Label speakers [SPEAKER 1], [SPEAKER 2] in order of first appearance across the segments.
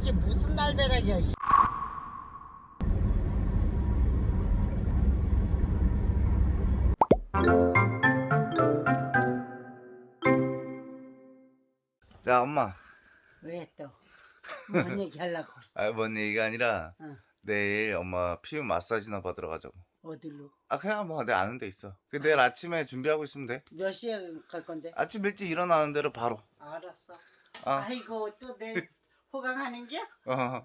[SPEAKER 1] 이게 무슨 날벼락이야.
[SPEAKER 2] 자, 엄마.
[SPEAKER 1] 왜 또? 뭔 얘기 하려고?
[SPEAKER 2] 뭔 얘기가 아니라
[SPEAKER 1] 어.
[SPEAKER 2] 내일 엄마 피부 마사지나 받으러 가자고.
[SPEAKER 1] 어디로?
[SPEAKER 2] 그냥 뭐 내 아는 데 있어. 내일 아침에 준비하고 있으면 돼.
[SPEAKER 1] 몇 시에 갈 건데?
[SPEAKER 2] 아침 일찍 일어나는 대로 바로.
[SPEAKER 1] 알았어.
[SPEAKER 2] 어.
[SPEAKER 1] 또 내일 호강하는겨?
[SPEAKER 2] 어.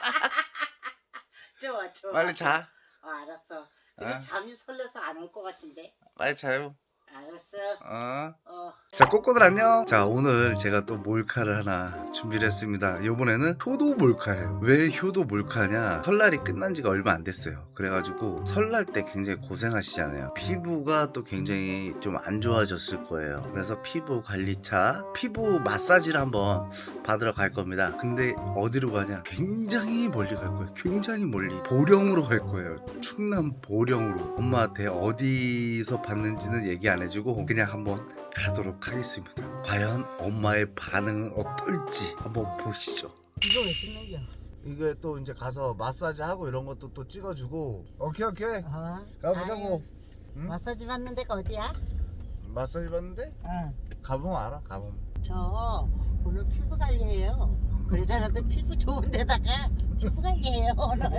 [SPEAKER 1] 좋아.
[SPEAKER 2] 빨리 자.
[SPEAKER 1] 알았어. 근데 잠이 설레서 안 올 것 같은데.
[SPEAKER 2] 빨리 자요.
[SPEAKER 1] 알았어.
[SPEAKER 2] 자, 꼬꼬들 안녕. 자, 오늘 제가 또 몰카를 하나 준비를 했습니다. 이번에는 효도 몰카예요. 왜 효도 몰카냐? 설날이 끝난 지가 얼마 안 됐어요. 그래가지고 설날 때 굉장히 고생하시잖아요. 피부가 또 굉장히 좀 안 좋아졌을 거예요. 그래서 피부 관리차, 피부 마사지를 한번 받으러 갈 겁니다. 근데 어디로 가냐? 굉장히 멀리 갈 거예요. 굉장히 멀리. 보령으로 갈 거예요. 충남 보령으로. 엄마한테 어디서 받는지는 얘기 안 해주고 그냥 한번 가도록 하겠습니다. 과연 엄마의 반응은 어떨지 한번 보시죠.
[SPEAKER 1] 이거 왜 찍는 거야?
[SPEAKER 2] 이게 또 이제 가서 마사지 하고 이런 것도 또 찍어주고. 오케이. 가보자고. 응?
[SPEAKER 1] 마사지 받는 데가 어디야?
[SPEAKER 2] 마사지 받는데?
[SPEAKER 1] 응.
[SPEAKER 2] 가보면 알아. 가보면.
[SPEAKER 1] 저 오늘 피부 관리해요. 그러잖아도 피부 좋은 데다가 피부 관리해요 오늘.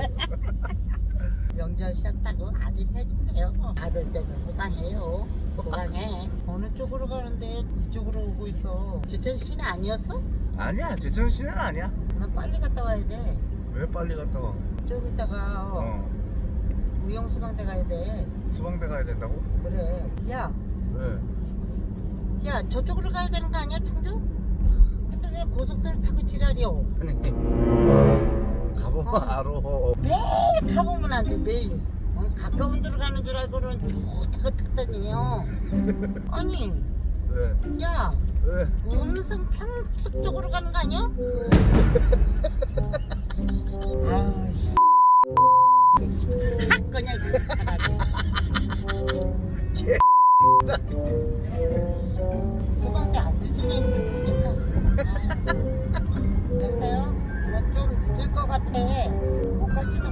[SPEAKER 1] 명절 쉬었다고 아들 해준대요. 아들 때문에 호강해요. 호강해. 어느 쪽으로 가는데 이쪽으로 오고 있어. 제천시는 아니었어?
[SPEAKER 2] 아니야, 제천시는 아니야.
[SPEAKER 1] 나 빨리 갔다 와야 돼.
[SPEAKER 2] 왜 빨리 갔다 와?
[SPEAKER 1] 좀 이따가 무용수방대 가야 돼.
[SPEAKER 2] 수방대 가야 된다고?
[SPEAKER 1] 그래. 야,
[SPEAKER 2] 왜?
[SPEAKER 1] 야 저쪽으로 가야 되는 거 아니야 충주? 근데 왜 고속도로 타고 지랄이요?
[SPEAKER 2] 아니, 가보면 알아.
[SPEAKER 1] 매일 가보면 안 돼 매일. 가까운 데로 가는 줄 알고는 좋다고 탔더니요. 아니,
[SPEAKER 2] 왜?
[SPEAKER 1] 야,
[SPEAKER 2] 왜?
[SPEAKER 1] 음성 평택 쪽으로 가는 거 아니야? 아이씨, 확 그냥 소방대 안 늦으면 좋겠다. 글쎄요, 나 좀 늦을 것 같아. 못 갈지도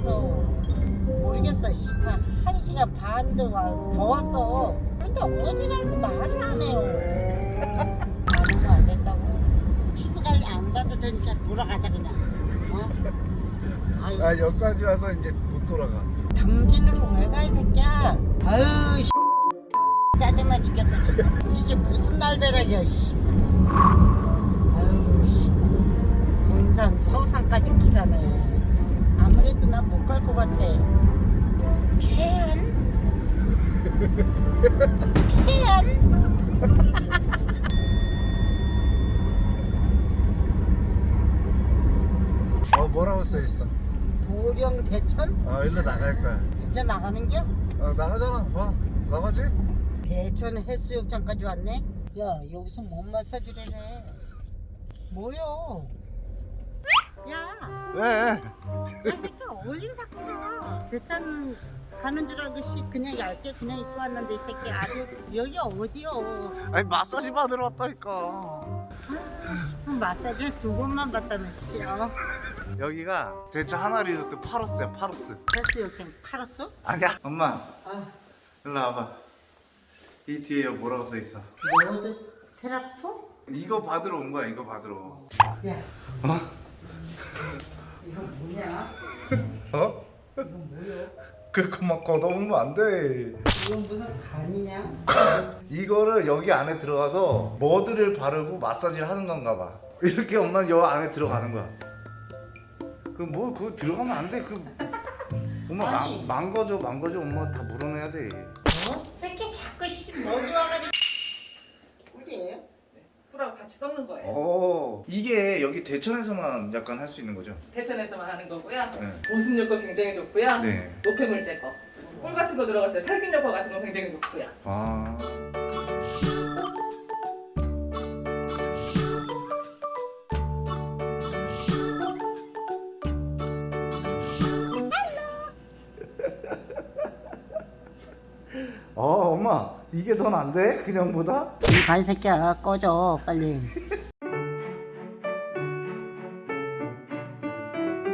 [SPEAKER 1] 모르겠어. 씨발 1시간 반도 더 왔어. 근데 어디라고 말을 안 해요. 아무도 안 된다고. 피부 관리 안 받아도 되니까 돌아가자 그냥. 아유,
[SPEAKER 2] 여기까지 와서 이제 못 돌아가.
[SPEAKER 1] 당진으로 왜 가 이 새끼야. 아유 씨. 짜증나 죽겠어 진짜. 이게 무슨 날벼락이야 씨. 아유 씨. 군산 서산까지 기가네. 아무래도 난 못 갈 것 같아. 태안?
[SPEAKER 2] 뭐라고 써있어?
[SPEAKER 1] 보령 대천?
[SPEAKER 2] 일로 나갈 거야.
[SPEAKER 1] 진짜 나가는겨?
[SPEAKER 2] 나가잖아. 나가지?
[SPEAKER 1] 대천 해수욕장까지 왔네? 야 여기서 뭔 마사지를 해? 뭐요? 야,
[SPEAKER 2] 왜?
[SPEAKER 1] 이 새끼 어딜 자꾸 가? 제천 가는 줄 알고 그냥 얇게 그냥 입고 왔는데 이 새끼 아주 여기 어디요?
[SPEAKER 2] 아니, 마사지 받으러 왔다니까.
[SPEAKER 1] 마사지 두 곳만 받다는 씨야.
[SPEAKER 2] 여기가 대천 하나리 리조트 파로스야, 파로스.
[SPEAKER 1] 해수욕장 팔았어?
[SPEAKER 2] 아니야. 엄마,
[SPEAKER 1] 아,
[SPEAKER 2] 일로 와봐. 이 뒤에 뭐라고 써있어?
[SPEAKER 1] 뭐든 테라포?
[SPEAKER 2] 이거 받으러 온 거야, 이거 받으러.
[SPEAKER 1] 야, 이거 뭐냐? 이거 뭐야?
[SPEAKER 2] 그만 걷어보면 안 돼.
[SPEAKER 1] 이건 무슨 간이냐?
[SPEAKER 2] 이거를 여기 안에 들어가서 머드를 바르고 마사지를 하는 건가 봐. 이렇게 엄마는 여 안에 들어가는 거야. 그거 들어가면 안 돼. 엄마
[SPEAKER 1] 아니.
[SPEAKER 2] 망가져 엄마 다 물어내야 돼.
[SPEAKER 1] 새끼 자꾸 머리 와가지고 꿀이에요?
[SPEAKER 3] 꿀하고 같이 섞는 거예요.
[SPEAKER 2] 이게 여기 대천에서만 약간 할 수 있는 거죠?
[SPEAKER 3] 대천에서만 하는 거고요.
[SPEAKER 2] 네.
[SPEAKER 3] 보습 효과 굉장히 좋고요.
[SPEAKER 2] 네.
[SPEAKER 3] 노폐물 제거. 꿀 같은 거 들어갔어요. 살균 효과 같은 거 굉장히 좋고요.
[SPEAKER 2] 엄마 이게 더 난데? 그냥보다?
[SPEAKER 1] 이 간새끼야 꺼져 빨리.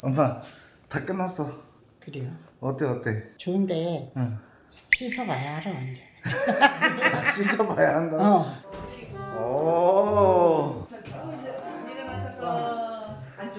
[SPEAKER 2] 엄마 다 끝났어.
[SPEAKER 1] 그래요.
[SPEAKER 2] 어때?
[SPEAKER 1] 좋은데
[SPEAKER 2] 응.
[SPEAKER 1] 씻어봐야 알아 언제.
[SPEAKER 2] 씻어봐야 한다. 오.
[SPEAKER 3] 일어나셔서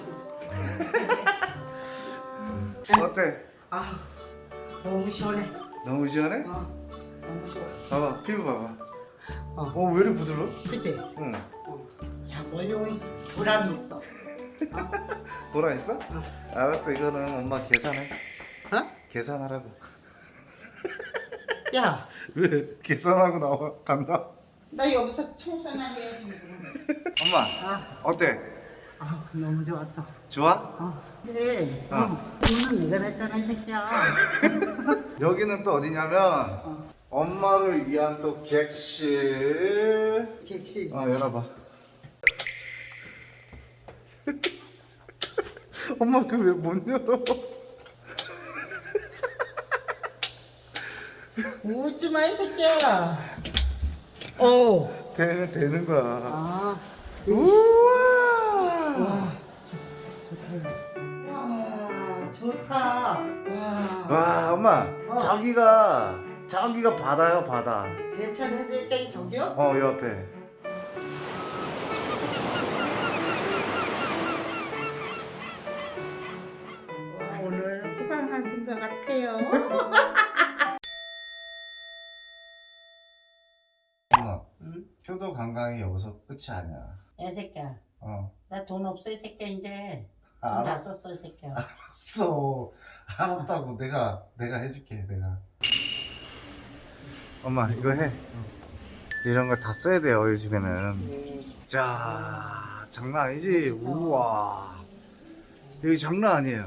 [SPEAKER 2] 어때?
[SPEAKER 1] 아 너무 시원해.
[SPEAKER 2] 너무 시원해?
[SPEAKER 1] 너무 좋아.
[SPEAKER 2] 봐봐 피부 봐봐.
[SPEAKER 1] 어.
[SPEAKER 2] 왜 이렇게 부드러워?
[SPEAKER 1] 그치?
[SPEAKER 2] 응.
[SPEAKER 1] 야 머리 오니 보람 있어.
[SPEAKER 2] 보라 있어? 알았어 이거는 엄마 계산해.
[SPEAKER 1] 어?
[SPEAKER 2] 계산하라고.
[SPEAKER 1] 야,
[SPEAKER 2] 왜? 계산하고 나와 간다.
[SPEAKER 1] 나 여기서 청소나 해야지.
[SPEAKER 2] 엄마 어때?
[SPEAKER 1] 아 너무 좋았어.
[SPEAKER 2] 좋아?
[SPEAKER 1] 그래.
[SPEAKER 2] 어.
[SPEAKER 1] 오늘 내가 냈잖아 이 새끼야.
[SPEAKER 2] 여기는 또 어디냐면 엄마를 위한 또 객실.
[SPEAKER 1] 객실.
[SPEAKER 2] 열어봐. 엄마 그 왜 못 열어?
[SPEAKER 1] 웃지 마 이 새끼야. 오.
[SPEAKER 2] 되는 거야.
[SPEAKER 1] 아.
[SPEAKER 2] 우와.
[SPEAKER 1] 와. 좋다. 와.
[SPEAKER 2] 와 엄마 저기가 바다요 바다.
[SPEAKER 1] 괜찮아질까 저기요?
[SPEAKER 2] 요 앞에.
[SPEAKER 1] 와, 오늘 수상하신 것 같아요.
[SPEAKER 2] 엄마
[SPEAKER 1] 응?
[SPEAKER 2] 효도 관광이 여기서 끝이 아니야.
[SPEAKER 1] 야 새끼야. 나 돈 없어 이 새끼야 이제. 돈 다
[SPEAKER 2] 알았어.
[SPEAKER 1] 썼어 이 새끼야.
[SPEAKER 2] 알았다고 내가 해줄게 내가. 엄마 이거 해. 이런 거 다 써야 돼요 요즘에는. 자 장난 아니지. 우와 여기 장난 아니에요.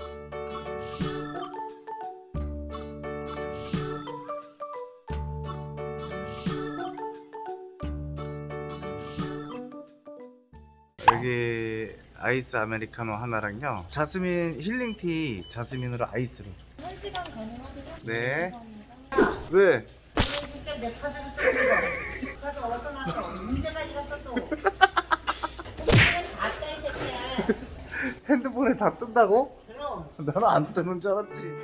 [SPEAKER 2] 여기 아이스 아메리카노 하나랑요 자스민 힐링티 자스민으로 아이스로.
[SPEAKER 4] 1시간 가능하세요?
[SPEAKER 2] 네.
[SPEAKER 4] 감사합니다.
[SPEAKER 2] 왜?
[SPEAKER 1] 진짜 내 카드를 쓰는 거. 카드 어디서 나서 문제가 갔어 또. 다떼 새끼야.
[SPEAKER 2] 핸드폰에 다 뜬다고?
[SPEAKER 1] 그럼.
[SPEAKER 2] 나는 안 뜨는 줄 알았지.